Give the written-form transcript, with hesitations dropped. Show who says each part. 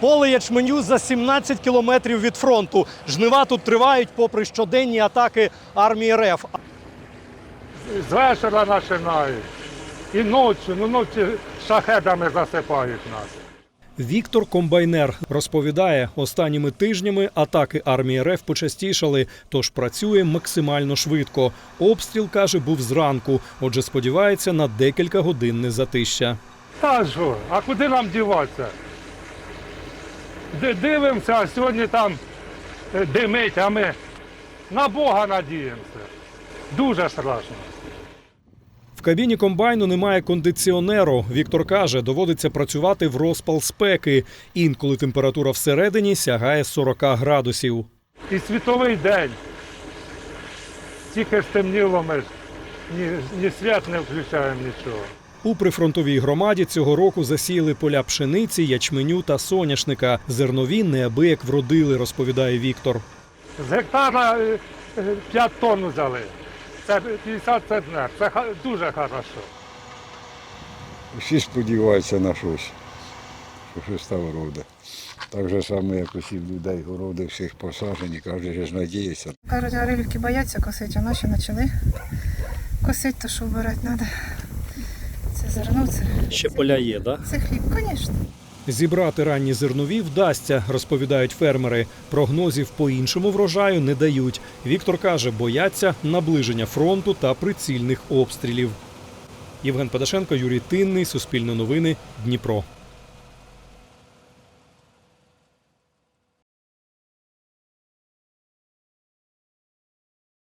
Speaker 1: Поле ячменю за 17 кілометрів від фронту. Жнива тут тривають попри щоденні атаки армії РФ.
Speaker 2: З вечора починають. І ночі шахедами засипають нас.
Speaker 1: Віктор Комбайнер розповідає, останніми тижнями атаки армії РФ почастішали, тож працює максимально швидко. Обстріл, каже, був зранку, отже сподівається на декілька годинне затища.
Speaker 2: Та що, а куди нам діватися? Дивимося, а сьогодні там димить, а ми на Бога надіємося. Дуже страшно.
Speaker 1: В кабіні комбайну немає кондиціонеру. Віктор каже, доводиться працювати в розпал спеки. Інколи температура всередині сягає 40 градусів.
Speaker 2: І світовий день. Тільки стемніло, ми ж ні свят не включаємо, нічого.
Speaker 1: У прифронтовій громаді цього року засіяли поля пшениці, ячменю та соняшника. Зернові неабияк вродили, розповідає Віктор.
Speaker 2: З гектара 5 тонн взяли. Це 50 центнер. Це дуже хорошо.
Speaker 3: Всі сподіваються на щось, що щось там роде. Так же саме, як усіх людей, городи всіх посаджені, кожен ж надіється.
Speaker 4: Кажуть, грилівки бояться косити, а наші почали косити, то що вбирати треба. Це зерно, це...
Speaker 1: Ще поля є, так?
Speaker 4: Це хліб, звісно.
Speaker 1: Зібрати ранні зернові вдасться, розповідають фермери. Прогнозів по іншому врожаю не дають. Віктор каже, бояться наближення фронту та прицільних обстрілів. Євген Падашенко, Юрій Тинний, Суспільне новини, Дніпро.